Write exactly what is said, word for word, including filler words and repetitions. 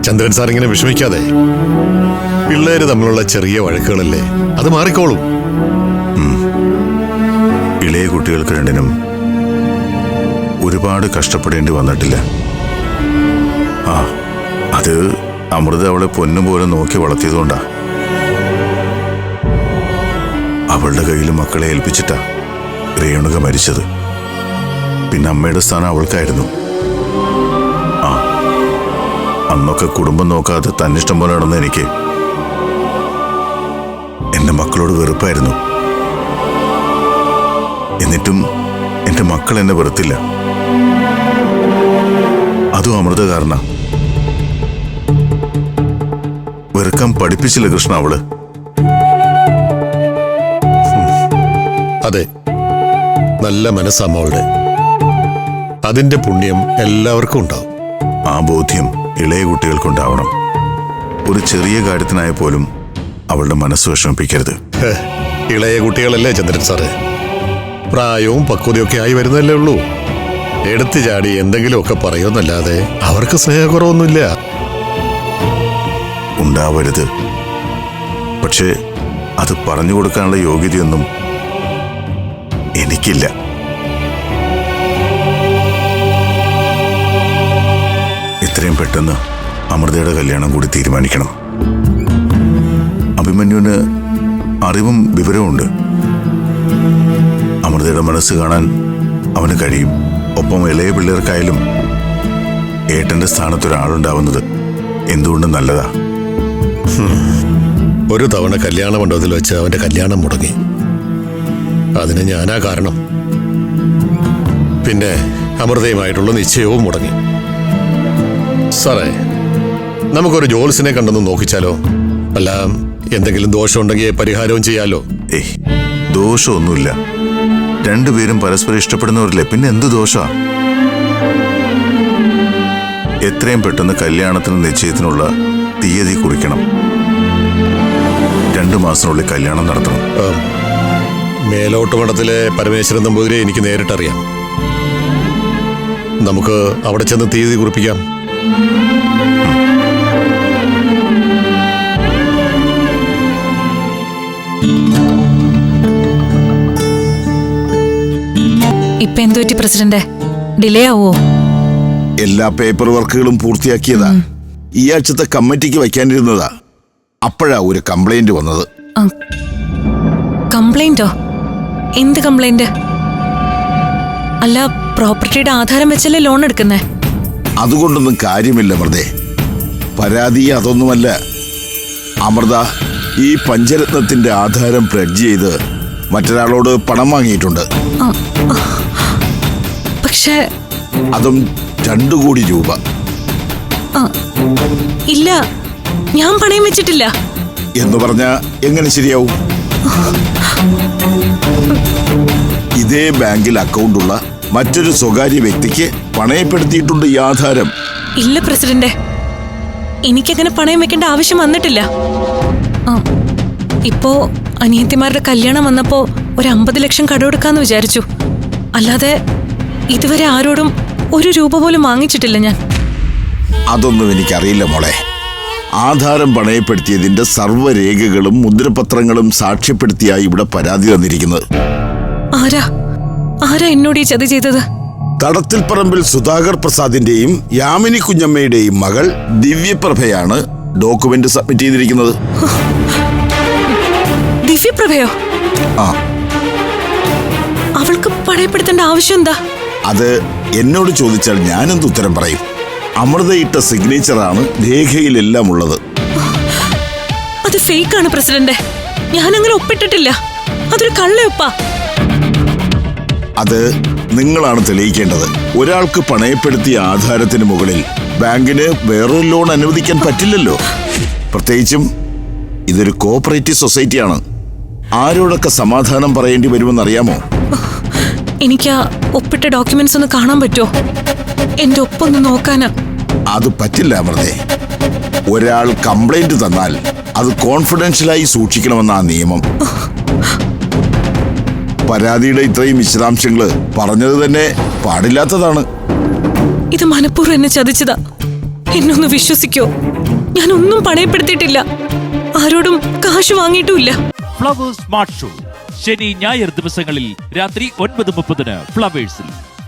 ചന്ദ്രൻ sir ഇങ്ങനെ വിഷമിക്കാതെ. പിള്ളേര് തമ്മിലുള്ള ചെറിയ വഴക്കുകളല്ലേ, അത് മാറിക്കോളും. ഇളയ കുട്ടികൾക്ക് രണ്ടിനും ഒരുപാട് കഷ്ടപ്പെടേണ്ടി വന്നിട്ടില്ല. ആ അത് അമൃത അവളെ പൊന്നുപോലെ നോക്കി വളർത്തിയതുകൊണ്ടാ. അവളുടെ കയ്യിൽ മക്കളെ ഏൽപ്പിച്ചിട്ടാ രേണുക മരിച്ചത്. പിന്നെ അമ്മയുടെ സ്ഥാനം അവൾക്കായിരുന്നു. ആ അന്നൊക്കെ കുടുംബം നോക്കാതെ തന്നിഷ്ടം പോലെ നടന്ന എനിക്ക് എന്റെ മക്കളോട് വെറുപ്പായിരുന്നു. എന്നിട്ടും എന്റെ മക്കൾ എന്നെ വെറുത്തില്ല. അതും അമൃത കാരണ. വെറുക്കാൻ പഠിപ്പിച്ചില്ല കൃഷ്ണ അവള്. അതെ, നല്ല മനസ്സാ മോളുടെ. അതിന്റെ പുണ്യം എല്ലാവർക്കും ഉണ്ടാവും. ആ ബോധ്യം ഇളയ കുട്ടികൾക്കുണ്ടാവണം. ഒരു ചെറിയ കാര്യത്തിനായ പോലും അവളുടെ മനസ്സ് വിഷമിപ്പിക്കരുത്. ഇളയ കുട്ടികളല്ലേ ചന്ദ്രൻ സാറ്, പ്രായവും പക്വതയൊക്കെ ആയി വരുന്നല്ലേ ഉള്ളൂ. എടുത്തു ചാടി എന്തെങ്കിലുമൊക്കെ പറയുമെന്നല്ലാതെ അവർക്ക് സ്നേഹക്കുറവൊന്നുമില്ല. ഉണ്ടാവരുത്. പക്ഷേ അത് പറഞ്ഞു കൊടുക്കാനുള്ള യോഗ്യതയൊന്നും എനിക്കില്ല. എത്രയും പെട്ടെന്ന് അമൃതയുടെ കല്യാണം കൂടി തീരുമാനിക്കണം. അഭിമന്യുവിന് അറിവും വിവരവുമുണ്ട്. അമൃതയുടെ മനസ്സ് കാണാൻ അവന് കഴിയും. ഒപ്പം ഇളയ പിള്ളേർക്കായാലും ഏട്ടന്റെ സ്ഥാനത്തൊരാളുണ്ടാവുന്നത് എന്തുകൊണ്ടും നല്ലതാ. ഒരു തവണ കല്യാണ മണ്ഡപത്തിൽ വെച്ച് അവന്റെ കല്യാണം മുടങ്ങി. അതിന് ഞാനാ കാരണം. പിന്നെ അമൃതയുമായിട്ടുള്ള നിശ്ചയവും മുടങ്ങി. സാറേ, നമുക്കൊരു ജോൽസിനെ കണ്ടെന്ന് നോക്കിച്ചാലോ? അല്ല, എന്തെങ്കിലും ദോഷമുണ്ടെങ്കിൽ പരിഹാരവും ചെയ്യാലോ. ഏയ്, ദോഷമൊന്നുമില്ല. രണ്ടുപേരും പരസ്പരം ഇഷ്ടപ്പെടുന്നവരല്ലേ, പിന്നെ എന്ത് ദോഷാ? എത്രയും പെട്ടെന്ന് കല്യാണത്തിന് നിശ്ചയത്തിനുള്ള തീയതി കുറിക്കണം. രണ്ടു മാസത്തിനുള്ളിൽ കല്യാണം നടത്തണം. മേലോട്ട് മഠത്തിലെ പരമേശ്വരൻ നമ്പൂതിരെ എനിക്ക് നേരിട്ടറിയാം. നമുക്ക് അവിടെ ചെന്ന് തീയതി കുറിപ്പിക്കാം. ഇപ്പൊ എന്തു പറ്റി പ്രസിഡന്റ്? ഡിലേ ആവോ? എല്ലാ പേപ്പർ വർക്കുകളും പൂർത്തിയാക്കിയതാ. ഈ ആഴ്ചത്തെ കമ്മിറ്റിക്ക് വയ്ക്കാനിരുന്നതാ. അപ്പോഴാ ഒരു കംപ്ലൈന്റ് വന്നത്. കംപ്ലൈന്റോ? എന്ത് കംപ്ലൈന്റ്? അല്ല, പ്രോപ്പർട്ടിയുടെ ആധാരം വെച്ചല്ലേ ലോൺ എടുക്കുന്നേ? അതുകൊണ്ടൊന്നും കാര്യമില്ല അമൃതേ. പരാതി അതൊന്നുമല്ല. അമൃത ഈ പഞ്ചരത്നത്തിന്റെ ആധാരം പ്ലഡ്ജ് ചെയ്ത് മറ്റൊരാളോട് പണം വാങ്ങിയിട്ടുണ്ട്. പക്ഷേ അതും രണ്ടു കോടി രൂപ. ഇല്ല, ഞാൻ പണയം വെച്ചിട്ടില്ല. എന്ന് പറഞ്ഞ എങ്ങനെ ശരിയാവും? ഇതേ ബാങ്കിൽ അക്കൗണ്ടുള്ള മറ്റൊരു സ്വകാര്യ വ്യക്തിക്ക് പണയപ്പെടുത്തിയിട്ടുണ്ട് ഈ ആധാരം. ഇല്ല പ്രസിഡന്റ്, എനിക്കങ്ങനെ പണയം വെക്കേണ്ട ആവശ്യം വന്നിട്ടില്ല. ഇപ്പോ അനിയത്തിമാരുടെ കല്യാണം വന്നപ്പോ ഒരു അമ്പത് ലക്ഷം കടമെടുക്കാന്ന് വിചാരിച്ചു. അല്ലാതെ ഇതുവരെ ആരോടും ഒരു രൂപ പോലും വാങ്ങിച്ചിട്ടില്ല ഞാൻ. അതൊന്നും എനിക്കറിയില്ല മോളെ. ആധാരം പണയപ്പെടുത്തിയതിന്റെ സർവ്വരേഖകളും മുദ്രപത്രങ്ങളും സാക്ഷ്യപ്പെടുത്തിയായി ഇവിടെ പരാതി തന്നിരിക്കുന്നത്. ആരാ ആരാ എന്നോട് ഈ ചതി ചെയ്തത്? തടത്തിൽപ്പറമ്പിൽ സുധാകർ പ്രസാദിന്റെയും യാമിനി കുഞ്ഞമ്മയുടെയും മകൾ ദിവ്യപ്രഭയാണ് ഡോക്യുമെന്റ് സബ്മിറ്റ് ചെയ്തിരിക്കുന്നത്. ദിവ്യപ്രഭയോ? ആ, അവൾക്ക് പണയപ്പെടുത്തേണ്ട ആവശ്യം എന്താ? അത് എന്നോട് ചോദിച്ചാൽ ഞാനെന്ത് ഉത്തരം പറയും? അമൃതയിട്ട സിഗ്നേച്ചറാണ് രേഖയിലെല്ലാം ഉള്ളത്. അത് ഫേക്കാണ് പ്രസിഡന്റ്. ഞാൻ അങ്ങനെ ഒപ്പിട്ടിട്ടില്ല. അതൊരു കള്ളയൊപ്പാ. അത് നിങ്ങളാണ് തെളിയിക്കേണ്ടത്. ഒരാൾക്ക് പണയപ്പെടുത്തിയ ആധാരത്തിന് മുകളിൽ ബാങ്കിന് വേറൊരു ലോൺ അനുവദിക്കാൻ പറ്റില്ലല്ലോ. പ്രത്യേകിച്ചും ഇതൊരു കോഓപ്പറേറ്റീവ് സൊസൈറ്റിയാണ്. ആരോടൊക്കെ സമാധാനം പറയേണ്ടി വരുമെന്നറിയാമോ? എനിക്ക് ആ ഒപ്പിട്ട ഡോക്യുമെന്റ്സ് ഒന്ന് കാണാൻ പറ്റുമോ? എന്റെ ഒപ്പൊന്ന് നോക്കാനാ. അത് പറ്റില്ല അമൃതേ. ഒരാൾ കംപ്ലൈന്റ് തന്നാൽ അത് കോൺഫിഡൻഷ്യലായി സൂക്ഷിക്കണമെന്നാ നിയമം. പരാതിയുടെ ഇത്രയും വിശദാംശങ്ങള് പറഞ്ഞത് തന്നെ പാടില്ലാത്തതാണ്. ഇത് മനഃപൂർവ്വം എന്നെ ചതിച്ചതാ. എന്നൊന്ന് വിശ്വസിക്കോ, ഞാനൊന്നും പണയപ്പെടുത്തിയിട്ടില്ല, ആരോടും കാശ് വാങ്ങിയിട്ടുമില്ല. ഫ്ലവേഴ്സ് സ്മാർട്ട് ഷോ ശനി ഞായർ ദിവസങ്ങളിൽ രാത്രി ഒൻപത് മുപ്പതിന് ഫ്ലവേഴ്സിൽ.